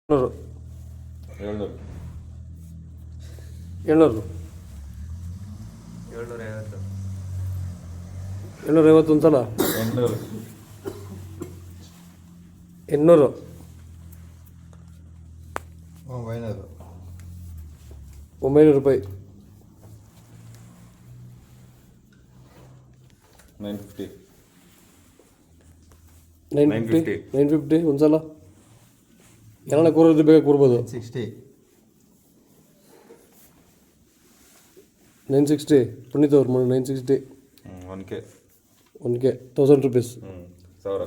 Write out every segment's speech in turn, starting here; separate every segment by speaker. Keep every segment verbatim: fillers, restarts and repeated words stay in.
Speaker 1: ನೂರು
Speaker 2: ಏಳ್ನೂರು
Speaker 1: ಏಳ್ನೂರು
Speaker 3: ಏಳ್ನೂರ ಐವತ್ತು
Speaker 1: ಏಳ್ನೂರ ಐವತ್ತು ಒಂದು ಸಲ
Speaker 2: ಎಂಟುನೂರು
Speaker 1: ಎಂಟುನೂರು
Speaker 4: ಒಂಬೈನೂರು
Speaker 1: ಒಂಬೈನೂರು ರೂಪಾಯಿ
Speaker 2: nine fifty
Speaker 1: nine
Speaker 2: nine
Speaker 1: fifty
Speaker 2: fifty.
Speaker 1: Nine fifty ಒಂದು ಸಲ ಏನಾರ ಕೂರೋದು ಬೇಗ ಕೂರ್ಬೋದು
Speaker 4: ಸಿಕ್ಸ್ಟಿ
Speaker 1: ನೈನ್ ಸಿಕ್ಸ್ಟಿ ಪುನೀತ್ ಅವ್ರು ಮಾಡಿ nine sixty
Speaker 2: one K
Speaker 1: one K thousand rupees
Speaker 2: ಹ್ಞೂ ಸಾವಿರ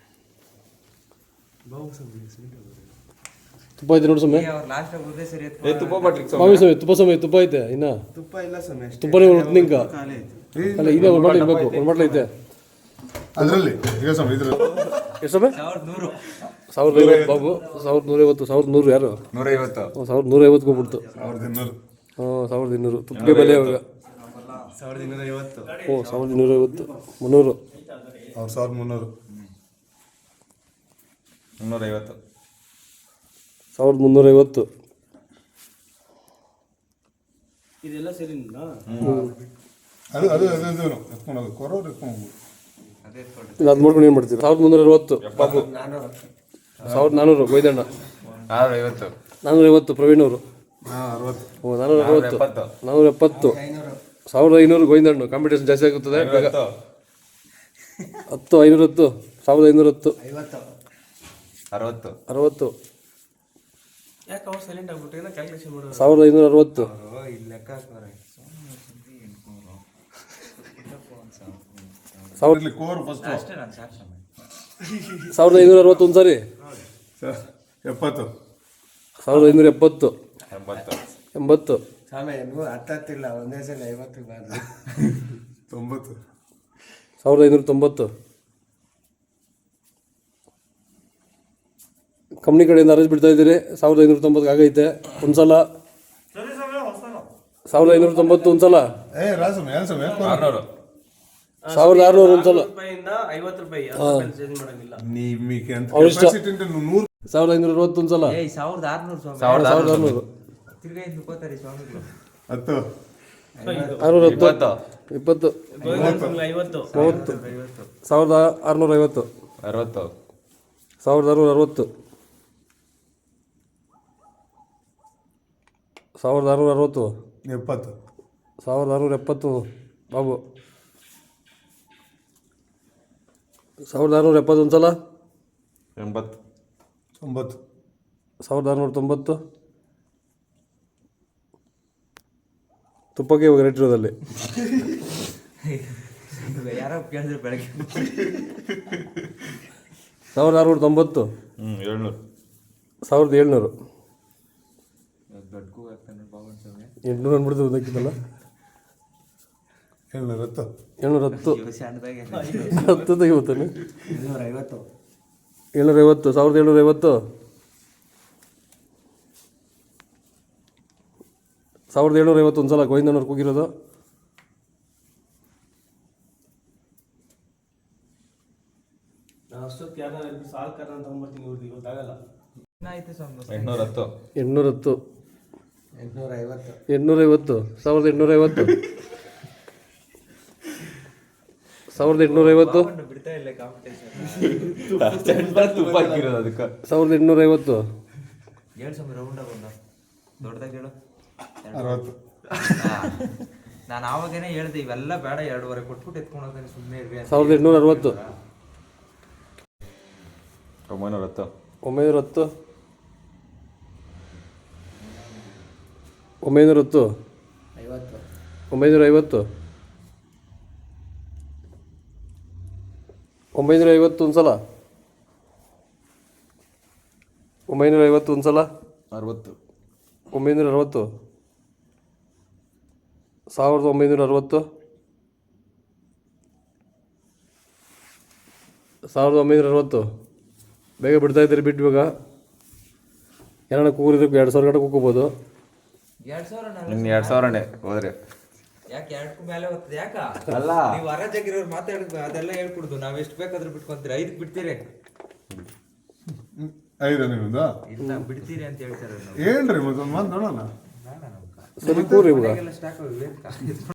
Speaker 1: ತುಪ್ಪ ಐತೆ ನೋಡಿ ಸಮಯ
Speaker 3: ಅವ್ರು ಲಾಸ್ಟ್ ಉದ್ದೇ ಸರಿ
Speaker 2: ಏ ತುಪ್ಪ ಬಾಟ್ಲಿಗೆ
Speaker 1: ಮಾವಿ ಸಮಯ ತುಪ್ಪ ಸಮಯ ತುಪ್ಪ ಐತೆ ಇನ್ನ
Speaker 5: ತುಪ್ಪ ಇಲ್ಲ ಸಮಯ
Speaker 1: ತುಪ್ಪನೇ ಒಂದು ನಿಂಕ ಅಲ್ಲ ಇದೆ ಒಂದು ಬಾಟ್ಲಿ ಇರಬೇಕು ಒಂದು ಬಾಟ್ಲಿ ಐತೆ
Speaker 4: ಅದರಲ್ಲಿ ಈಗ ಸಮ ಇದ್ರಲ್ಲಿ
Speaker 1: ಎಷ್ಟು ಸಮಯ
Speaker 3: ಸಾವಿರದ ನೂರು
Speaker 1: ಸಾವಿರದ ಐವತ್ತು ಬಾಬು ಸಾವಿರದ ನೂರೈವತ್ತು ಸಾವಿರದ ನೂರು ಯಾರು
Speaker 2: ನೂರೈವತ್ತು
Speaker 1: ಹ್ಞೂ ಸಾವಿರದ ನೂರೈವತ್ತು ಹೋಗ್ಬಿಡ್ತು
Speaker 4: ಸಾವಿರದ ಇನ್ನೂರು
Speaker 1: ಹಾಂ ಸಾವಿರದ ಇನ್ನೂರು ತುಪ್ಪಿಗೆ ಬೆಲೆ ಇವಾಗ
Speaker 5: ಸಾವಿರದ ಇನ್ನೂರ ಐವತ್ತು
Speaker 1: ಓ ಸಾವಿರದ ಇನ್ನೂರೈವತ್ತು ಮುನ್ನೂರು
Speaker 4: ಅವ್ರು ಸಾವಿರದ ಮುನ್ನೂರು
Speaker 2: ಮುನ್ನೂರೈವತ್ತು
Speaker 1: ಸಾವಿರದ ಮುನ್ನೂರೈವತ್ತು
Speaker 5: ಇದೆಲ್ಲ ಸರಿ
Speaker 4: ಅದು ಅದು ಅದು ಇದು ಎತ್ಕೊಂಡು ಕೊರೋರು ಎತ್ಕೊಂಡು ಹೋಗ್ಬೋದು
Speaker 3: ಅದೇ ಕೊಡಿ
Speaker 1: ಇದು ಅದು ಮಾಡ್ಕೊಂಡು ಏನು ಮಾಡ್ತೀವಿ ಸಾವಿರದ ಮುನ್ನೂರ ಅರವತ್ತು ಬಾಬು ಸಾವಿರದ ನಾನ್ನೂರು ಗೋಯ್ದಣ್ಣ
Speaker 2: ನಾನ್ನೂರ ಐವತ್ತು
Speaker 1: ನಾನ್ನೂರ ಐವತ್ತು ಪ್ರವೀಣ್ ಅವರು
Speaker 4: ಹಾಂ ಅರವತ್ತು
Speaker 1: ಓ ನಾನ್ನೂರ ಅರವತ್ತು
Speaker 2: ಎಪ್ಪತ್ತು
Speaker 1: ನಾನ್ನೂರ ಎಪ್ಪತ್ತು ಸಾವಿರದ ಐನೂರು ಗೋವಿಂದಣ್ಣು ಕಾಂಪಿಟೇಷನ್ ಜಾಸ್ತಿ ಆಗುತ್ತದೆ ಬೇಗ
Speaker 2: ಐವತ್ತು
Speaker 1: ಹತ್ತು ಐನೂರ ಹತ್ತು ಸಾವಿರದ ಐನೂರ ಹತ್ತು
Speaker 5: ಐವತ್ತು
Speaker 2: ಅರವತ್ತು
Speaker 1: ಅರವತ್ತು
Speaker 5: ಯಾಕೆ ಅವ್ರು ಸೈಲೆಂಟ್ ಆಗ್ಬಿಟ್ಟು ಏನೋ ಕ್ಯಾಲ್ಕುಲೇಷನ್ ಮಾಡೋರು
Speaker 1: ಸಾವಿರದ ಐನೂರ ಅರವತ್ತು
Speaker 3: ಇಲ್ಲಿ ಲೆಕ್ಕ ಹಾಕೋರೆ
Speaker 1: ಸಾವಿರದ
Speaker 4: ಇಲ್ಲಿ ಕೋರ್ ಫಸ್ಟ್
Speaker 3: ಅಷ್ಟೇ ನಾನು ಸಾಕು ಸಮಯ
Speaker 1: ಸಾವಿರದ ಐನೂರ ಅರವತ್ತು ಒಂದು ಸಾರಿ
Speaker 4: ಎಪ್ಪತ್ತು
Speaker 1: ಸಾವಿರದ ಐನೂರ ಎಪ್ಪತ್ತು
Speaker 2: ಎಂಬತ್ತು
Speaker 1: ಎಂಬತ್ತು
Speaker 5: ಸಮಯ ನೀವು ಹತ್ತತ್ತಿಲ್ಲ ಒಂದೇ ಸಲ ಐವತ್ತು ಬಾರ್ದು
Speaker 4: ತೊಂಬತ್ತು
Speaker 1: ಸಾವಿರದ ಐನೂರ ತೊಂಬತ್ತು ಕಂಪ್ನಿ ಕಡೆಯಿಂದ ಅರೇಂಜ್ ಬಿಡ್ತಾ ಇದ್ದೀರಿ ಸಾವಿರದ ಐನೂರ ತೊಂಬತ್ತು ಆಗೈತೆ ಒಂದು ಸಲ ಸಾವಿರದ ಐನೂರ ತೊಂಬತ್ತು ಒಂದು ಸಲ
Speaker 4: ಏ ರಾಸಮ್ ಏನು ಸಮ
Speaker 2: ಆರುನೂರು
Speaker 1: ಸಾವಿರದ ಆರುನೂರು ಒಂದು ಸಲ
Speaker 5: ರೂಪಾಯಿಂದ ಐವತ್ತು ರೂಪಾಯಿ ಚೇಂಜ್ ಮಾಡಂಗಿಲ್ಲ
Speaker 4: ನಿಮಗೆ ಅಂತ
Speaker 1: ಅವ್ರ ಇಷ್ಟ.
Speaker 4: ಕೆಪಾಸಿಟಿ ಅಂತ ನೂರು
Speaker 1: ಸಾವಿರದ ಐನೂರ ಅರವತ್ತು ಒಂದು ಸಲ
Speaker 3: ಏಯ್ ಸಾವಿರದ ಆರ್ನೂರು ಸ್ವಾಮಿ
Speaker 2: ಸಾವಿರದ
Speaker 1: ಸಾವಿರದ
Speaker 2: ಆರುನೂರು
Speaker 1: ಆರುನೂರು
Speaker 3: ತಿರ್ಗಾ ಇನ್ನು ಕೋತಾರೆ ಸ್ವಾಮಿಗಳು
Speaker 4: ಹತ್ತು
Speaker 1: ಆರುನೂರ ಹತ್ತು
Speaker 2: ಇಪ್ಪತ್ತು
Speaker 1: ಇಪ್ಪತ್ತು
Speaker 5: ಐವತ್ತು
Speaker 1: ಮೂವತ್ತು ಸಾವಿರದ ಆರುನೂರ ಐವತ್ತು
Speaker 2: ಅರವತ್ತು
Speaker 1: ಸಾವಿರದ ಆರುನೂರ ಅರವತ್ತು ಸಾವಿರದ ಆರುನೂರ ಅರವತ್ತು
Speaker 4: ಎಪ್ಪತ್ತು
Speaker 1: ಸಾವಿರದ ಆರುನೂರ ಎಪ್ಪತ್ತು ಬಾಬು ಸಾವಿರದ ಆರುನೂರ ಎಪ್ಪತ್ತು ಒಂದು ಸಲ
Speaker 2: ಎಂಬತ್ತು
Speaker 4: ತೊಂಬತ್ತು
Speaker 1: ಸಾವಿರದ ಆರುನೂರ ತೊಂಬತ್ತು ತುಪ್ಪಕ್ಕೆ ಇವಾಗ ರೇಟ್ ಇರೋದಲ್ಲಿ
Speaker 3: ಯಾರೋ ಕೇಳಿದ್ರೆ ಬೆಳಗ್ಗೆ
Speaker 1: ಸಾವಿರದ ಆರುನೂರ ತೊಂಬತ್ತು
Speaker 2: ಹ್ಞೂ ಏಳ್ನೂರು
Speaker 1: ಸಾವಿರದ ಏಳ್ನೂರು
Speaker 3: ದೊಡ್ಡಗೂ ಆಗ್ತಾನೆ ಬಾಬನ್ ಸ್ವಾಮಿ
Speaker 1: ಎಂಟುನೂರು ಅಂದ್ಬಿಡ್ತು ಒಂದಕ್ಕಿಂತಲ್ಲ
Speaker 4: ಏಳ್ನೂರ ಹತ್ತು
Speaker 1: ಏಳ್ನೂರ ಹತ್ತು
Speaker 3: ಸಣ್ಣದಾಗೆ
Speaker 1: ಹತ್ತು ತೆಗಿಬೋತಾನೆ
Speaker 5: ಇನ್ನೂರ ಐವತ್ತು
Speaker 1: ಏಳ್ನೂರ ಐವತ್ತು ಸಾವಿರದ ಏಳ್ನೂರ ಐವತ್ತು ಸಾವಿರದ ಏಳ್ನೂರ ಐವತ್ತು ಒಂದು ಸಲ ಗೋವಿಂದನವ್ರು ಕೂಗಿರೋದು
Speaker 5: ನಾನು ಅಷ್ಟೊತ್ತಿಗೆ ಯಾರು ಸಾಲ್ ಕರ ಅಂತ ತಗೊಂಡ್ಬರ್ತೀನಿ ಇವ್ರಿಗೆ ಗೊತ್ತಾಗಲ್ಲ
Speaker 3: ಏನಾಯ್ತು ಸ್ವಾಮಿ
Speaker 2: ಎಂಟುನೂರ ಹತ್ತು
Speaker 1: ಎಂಟುನೂರ ಹತ್ತು
Speaker 5: ಎಂಟುನೂರ ಐವತ್ತು
Speaker 1: ಎಂಟುನೂರ ಐವತ್ತು ಸಾವಿರದ ಎಂಟುನೂರ ಐವತ್ತು ಸಾವಿರದ ಎಂಟುನೂರ ಐವತ್ತು
Speaker 3: ಬಾಬಣ್ಣ ಬಿಡ್ತಾ ಇಲ್ಲ ಕಾಂಪಿಟೇಷನ್
Speaker 2: ತುಪ್ಪ ಹಾಕಿರೋದು ಅದಕ್ಕೆ
Speaker 1: ಸಾವಿರದ ಎಂಟುನೂರ ಐವತ್ತು
Speaker 3: ಹೇಳು ಸ್ವಾಮಿ ರೌಂಡಾಗ ಬಂದ ದೊಡ್ಡದಾಗಿ ಹೇಳು
Speaker 4: ಅರವತ್ತು
Speaker 3: ನಾನು ಆವಾಗೇನೆ ಹೇಳ್ದೆ ಇವೆಲ್ಲ ಬೇಡ ಎರಡೂವರೆ ಕೊಟ್ಬಿಟ್ಟು ಎತ್ಕೊಂಡು ಹೋಗ್ತಾನೆ ಸುಮ್ಮನೆ ಇರ್ವಿ ಅಂತ.
Speaker 1: ಸಾವಿರದ ಎಂಟುನೂರ ಅರವತ್ತು
Speaker 2: ಒಂಬೈನೂರ ಹತ್ತು
Speaker 1: ಒಂಬೈನೂರ ಹತ್ತು ಒಂಬೈನೂರ ಹತ್ತು
Speaker 5: ಐವತ್ತು
Speaker 1: ಒಂಬೈನೂರ ಐವತ್ತು ಒಂಬೈನೂರ ಐವತ್ತು ಒಂದು ಸಲ ಒಂಬೈನೂರ ಐವತ್ತು ಒಂದು ಸಲ
Speaker 2: ಅರವತ್ತು
Speaker 1: ಒಂಬೈನೂರ ಅರವತ್ತು ಸಾವಿರದ ಒಂಬೈನೂರ ಅರವತ್ತು ಸಾವಿರದ ಒಂಬೈನೂರ ಅರವತ್ತು ಬೇಗ ಬಿಡ್ತಾ ಇದ್ದೀರಿ ಬಿಟ್ಟು ಇವಾಗ ಏನಾರ ಕೂಗಿದ್ರೆ ಎರಡು ಸಾವಿರ ಗಂಟೆ ಕೂಗ್ಬೋದು
Speaker 3: ಎರಡ್ ಸಾವಿರ ನಾನು
Speaker 2: ಇನ್ನು ಎರಡು ಸಾವಿರನೇ ಹೋದ್ರೆ
Speaker 3: ಯಾಕೆ ಎರಡಕ್ಕೂ ಮೇಲೆ ಹೋಗ್ತದೆ ಯಾಕ
Speaker 2: ಅಲ್ಲ
Speaker 3: ನೀವು ಹೊರಜಾಗಿರೋರು ಮಾತಾಡಿದ್ ಅದೆಲ್ಲ ಹೇಳ್ಕೊಡುದು ನಾವ್ ಎಷ್ಟು ಬೇಕಾದ್ರೂ ಬಿಟ್ಕೊಂತೀರಿ ಐದಕ್ಕೆ ಬಿಡ್ತೀರಿ
Speaker 4: ಐದು ನಿಮ್ದು
Speaker 3: ಇಲ್ಲ ಬಿಡ್ತೀರಿ ಅಂತ ಹೇಳ್ತಾರೆ ನಾವು
Speaker 4: ಏನ್ರಿ ಮತ್ತೊಂದು ಮಂತ್ ನೋಡೋಣ
Speaker 3: ಬೇಡ ನಮ್ಗೆ
Speaker 1: ಸರಿ ಕೂರಿ ಇವಾಗ
Speaker 3: ಸ್ಟಾಕ್